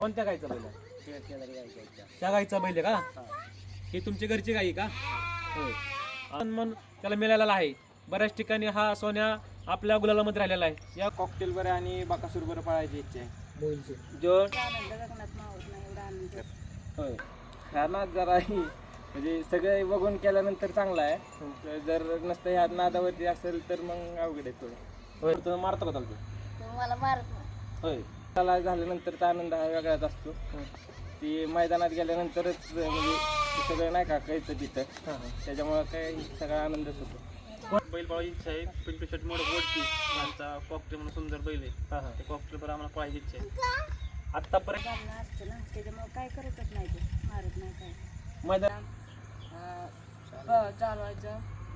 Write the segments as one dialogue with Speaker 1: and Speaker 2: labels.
Speaker 1: कोणत्या गाईचा बैल आहे?
Speaker 2: शेजारी गायच्या.
Speaker 1: त्या गाईचा बैल आहे का? ही तुमची घरची गाई का? होय. मन त्याला मिळालेला आहे. बऱ्याच ठिकाणी हा सोन्या आपल्या गुलालामध्ये राहिलेला आहे. या कॉकटेल बरं आणि बाकासूर बरं पाळायची इच्छा आहे. जो होय ह्या नाद जरा म्हणजे सगळे बघून केल्यानंतर चांगला आहे. जर नसतं ह्या नादावरती असेल तर मग अवघड आहे थोडं. होय तुम्ही मारतो का चालतो?
Speaker 3: मला मारत
Speaker 1: होय.
Speaker 2: त्याला झाल्यानंतर आनंद हा वेगळाच असतो. ती मैदानात गेल्यानंतरच म्हणजे ते सगळं नाही का कळतं तिथं. त्याच्यामुळं काय सगळा आनंदच होतो.
Speaker 4: बैल पळायची इच्छा आहे. पिंटू शर्ट मोड वरती आमचा कॉकटेल म्हणून सुंदर बैल आहे. ते कॉकटेल बरं आम्हाला पळायची इच्छा आहे.
Speaker 1: आत्तापर्यंत
Speaker 3: असतं ना त्याच्यामुळे काय करतच नाही ते मारत नाही काय
Speaker 1: मैदान
Speaker 3: चालवायचं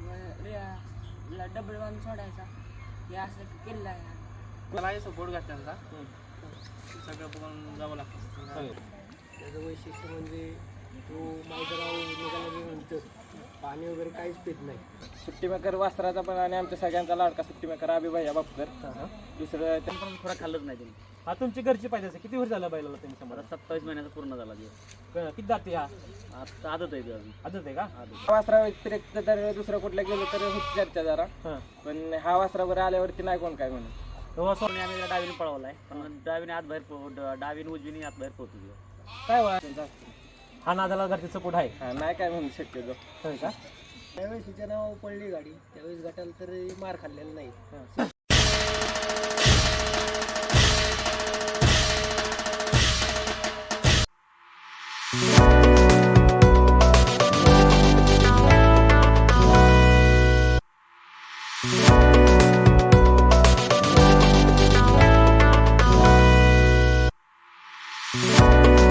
Speaker 3: डबल वन सोडायचा हे असं किल्ला आहे.
Speaker 4: मला आहे सपोर्ट घातल्यांचा सगळं बघून जावं लागतं.
Speaker 2: त्याचं वैशिष्ट्य म्हणजे तो मैदानावर निघाल्यानंतर पाणी वगैरे काहीच पित नाही. सुट्टी मेकर वासराचा पण आणि आमच्या सगळ्यांचा लाडका सुट्टी मेकर अभिभैया बापकर. दुसरं
Speaker 4: पण थोडा खाल्लंच नाही त्यांनी.
Speaker 1: हा तुमची घरची पाहिजे असेल. किती वर्ष झालं बैलाला त्यांनी
Speaker 4: मला
Speaker 1: समजा?
Speaker 4: 27 महिन्याचा पूर्ण झाला दिवस.
Speaker 1: किती जाते हा?
Speaker 4: आता आदत आहे ते अजून.
Speaker 1: आदत आहे का?
Speaker 2: वासरा व्यतिरिक्त तर दुसरं कुठल्या गेलो तर होती चर्चा जरा.
Speaker 1: हां.
Speaker 2: पण हा वासरावर आल्यावरती नाही कोण काय म्हणून.
Speaker 4: आणि आम्ही त्याला डावीने पळवलाय. पण डावीने आत बाहेर डावीने उजवीने आत बाहेर पोहतो.
Speaker 1: काय वय? हा नादाला घरचे सपोर्ट आहे.
Speaker 2: हा नाही काय म्हणू शक्यतो.
Speaker 1: होय का?
Speaker 2: त्यावेळेस तिच्या नाव पडली गाडी त्यावेळेस गटाला तर मार खाल्लेला नाही.
Speaker 3: Thank